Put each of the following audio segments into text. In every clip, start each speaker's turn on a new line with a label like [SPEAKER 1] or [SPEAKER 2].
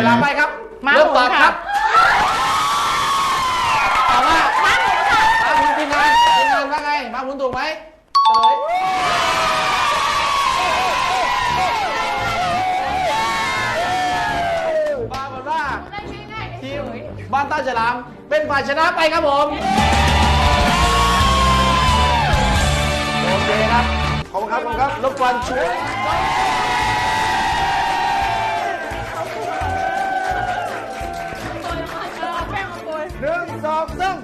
[SPEAKER 1] ลาไปครับ
[SPEAKER 2] ม้า
[SPEAKER 1] เริ่ม
[SPEAKER 2] หมุ
[SPEAKER 1] ตอน บค
[SPEAKER 2] ค่ะ
[SPEAKER 1] รับตอบว่าม้าหมุนค่ะม้าหมุนทีมงานว่าไงม้าหมุนถูกไหมเฉลยปรากฏว่าทีมบ้านต้าฉลามเป็นฝ่ายชนะไปครับผมโอเคครับ
[SPEAKER 3] ขอบคุณครับขอบคุณครับ
[SPEAKER 1] รบกวนช่วย1 2 3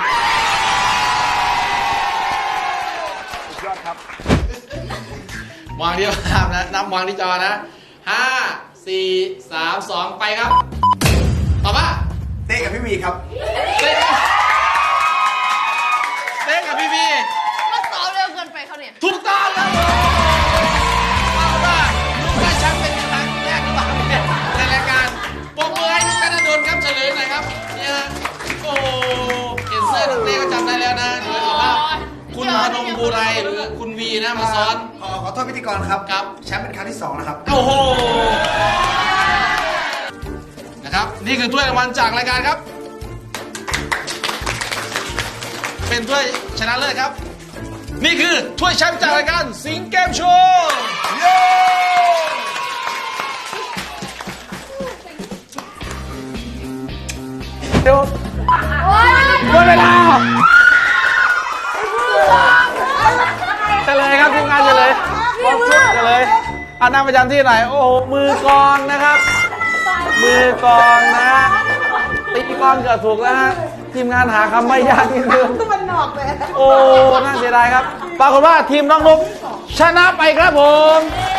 [SPEAKER 3] ยอดครับ
[SPEAKER 1] วางที่ภาพนะนับวางที่จอนะ5 4 3 2 ไปครับตอบว่า
[SPEAKER 3] เต้กับพี่วีครับ
[SPEAKER 1] เต้กับพี่บี
[SPEAKER 2] ก็ตอบเร็วเกินไปเขาเนี่ย
[SPEAKER 1] ถูกต้องครับผมว่าว่าลูกได้แชมป์เป็นครั้งแรกหรือเปล่าเนี่ยในรายการปรบมือให้ลูกธนดลครับเฉลยหน่อยครับเนี่ยฮะโอ้เห็นเสื้อนักเตะก็จำได้แล้วนะหรือว่าคุณพนมบูไรหรือคุณวีนะมาซ้อน
[SPEAKER 3] ขอโทษพิธีกรครับ
[SPEAKER 1] ครับ
[SPEAKER 3] แชมป์เป็นครั้งที่ 2 นะครับ
[SPEAKER 1] โอ้โห นะครับนี่คือถ้วยรางวัลจากรายการครับ เป็นถ้วยชนะเลิศครับ นี่คือถ้วยแชมป์จากรายการสิงห์เกมโชว์เย้เดี๋ยวหมดเวลาเฉลยครับทีมงานเฉลยเฉลยเอานั่งประจำที่ไหนโอ้โหมือกลองนะครับ มือกลองนะตีกลองเกือบถูกแล้วฮะทีมงานหาคำไม่ยากนิดนึงมันหนอกเลยโอ้น่าเสียดายครับปรากฏว่าทีมน้องนุ๊กชนะไปครับผม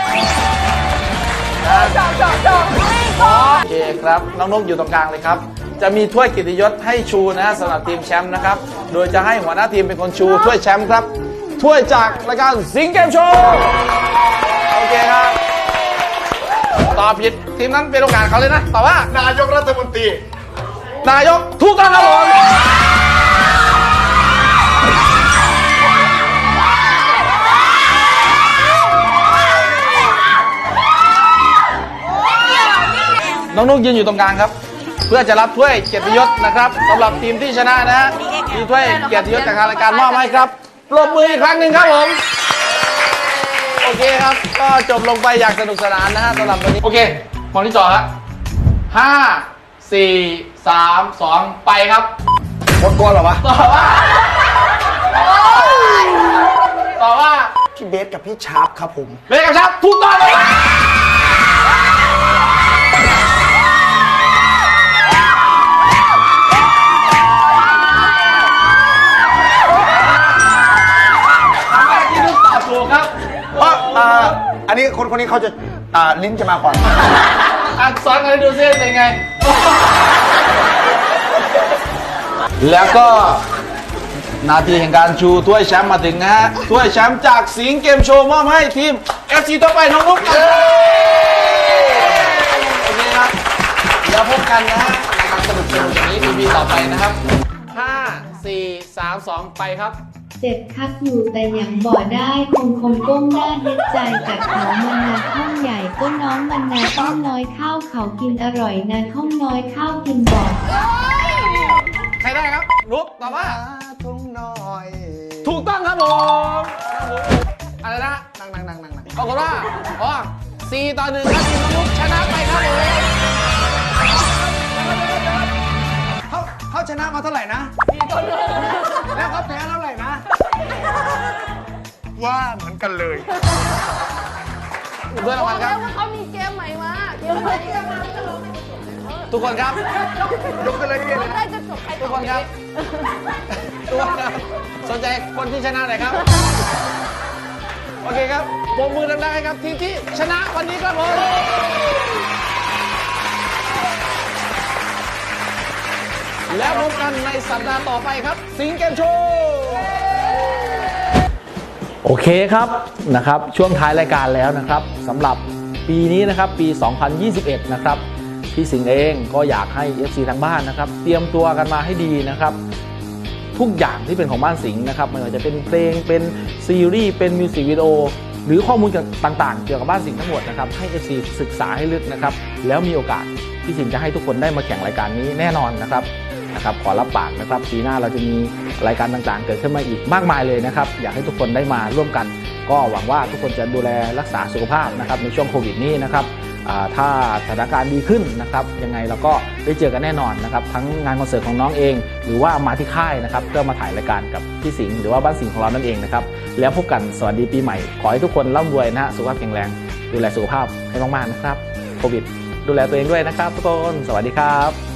[SPEAKER 1] โอเคครับน้องนุ๊กอยู่ตรงกลางเลยครับจะมีถ้วยเกียรติยศให้ชูนะสำหรับทีมแชมป์นะครับโดยจะให้หัวหน้าทีมเป็นคนชูถ้วยแชมป์ครับถ้วยจากรายการสิงห์เกมโชว์โอเคครับตอบผิดทีมนั้นเป็นโอกาสเขาเลยนะตอบว่าน
[SPEAKER 3] ายกรัฐมนตรี
[SPEAKER 1] นายกถูกต้องครับผมน้องนุ๊กยืนอยู่ตรงกลางครับ เพื่อจะรับถ้วยเกียรติยศนะครับสำหรับทีมที่ชนะนะฮะมีถ้วยเกียรติยศจากทางรายการมอบให้ครับปรบมืออีกครั้งหนึ่งครับผมโอเคครับก็จบลงไปอย่างสนุกสนานนะฮะสำหรับวันนี้โอเคมองที่จอครับ5 4 3 2 ไปครับ
[SPEAKER 3] หมดก่อนเหรอวะ
[SPEAKER 1] ต่อว่า
[SPEAKER 3] พี่เบสกับพี่ชาร์ปครับผม
[SPEAKER 1] เบสกับชับถูกต้องเลยที่ลูกตอบถูกครับ
[SPEAKER 3] เพราะอันนี้คนนี้เขาจะลิ้นจะมาก่อน
[SPEAKER 1] อักษรกันดูซิเป็นไง แล้วก็นาทีแห่งการชูถ้วยแชมป์มาถึงนะฮะถ้วยแชมป์จากสิงห์เกมโชว์มอบให้ทีม FC ต่อไปน้องนุ๊กครับโอเคครับแล้วพบกันนะฮะนะครับสนุกอย่างนี้ EP ต่อไปนะครับ5 4 3 2 ไปครับ
[SPEAKER 4] เจ็บคักอยู่แต่อย่างบ่อได้คงก้มหน้าเฮ็ดใจจากเขามันนาข้องใหญ่ก็น้องมันนาข้องน้อยข้าวเขากินอร่อยนาข้องน้อยข้าวกินบ่อ
[SPEAKER 1] ใครได้ครับนุ๊กตอบว่า
[SPEAKER 3] ทุ่งน้อย
[SPEAKER 1] ถูกต้องครับผมอะไรนะ
[SPEAKER 3] นั่ง
[SPEAKER 1] ปรากฏว่าอ๋อ4 ต่อ 1ครับทีมน้องนุ๊กชนะไปครับผม
[SPEAKER 3] เขาชนะมาเท่าไหร่นะ แล้วเขาแพ้เท่าไหร่นะ ว่าเหมือนกันเลย
[SPEAKER 1] เพื่อนรางวัลครับ
[SPEAKER 2] แล้วเขามีเกมใหม่มาเกมใหม่
[SPEAKER 1] ทุกคนครับ
[SPEAKER 3] ยกกันเลยเนี่ย
[SPEAKER 2] ได้จะจบใคร
[SPEAKER 1] ทุกคนครับ ทุกคนครับ สนใจคนที่ชนะหน่อยครับ โอเคครับปรบมือดังๆให้ครับทีมที่ชนะวันนี้ครับผม แล้วพบกันในสัปดาห์ต่อไปครับ สิงห์เกมโชว์โอเคครับนะครับช่วงท้ายรายการแล้วนะครับสำหรับปีนี้นะครับปี 2021 นะครับพี่สิงห์เองก็อยากให้ FC ทางบ้านนะครับเตรียมตัวกันมาให้ดีนะครับทุกอย่างที่เป็นของบ้านสิงห์นะครับไม่ว่าจะเป็นเพลงเป็นซีรีส์เป็นมิวสิกวิดีโอหรือข้อมูลต่างๆเกี่ยวกับบ้านสิงห์ทั้งหมดนะครับให้ FC ศึกษาให้ลึกนะครับแล้วมีโอกาสพี่สิงห์จะให้ทุกคนได้มาแข่งรายการนี้แน่นอนนะครับขอรับปากนะครับปีหน้าเราจะมีรายการต่างๆเกิดขึ้นมาอีกมากมายเลยนะครับอยากให้ทุกคนได้มาร่วมกันก็หวังว่าทุกคนจะดูแลรักษาสุขภาพนะครับในช่วงโควิดนี้นะครับถ้าสถานการณ์ดีขึ้นนะครับยังไงเราก็ได้เจอกันแน่นอนนะครับทั้งงานคอนเสิร์ตของน้องเองหรือว่ามาที่ค่ายนะครับเพื่อมาถ่ายรายการกับพี่สิงห์หรือว่าบ้านสิงห์ของเรานั่นเองนะครับแล้วพบกันสวัสดีปีใหม่ขอให้ทุกคนร่ำรวยนะฮะสุขภาพแข็งแรงดูแลสุขภาพให้มากๆนะครับโควิดดูแลตัวเองด้วยนะครับทุกคนสวัสดีครับ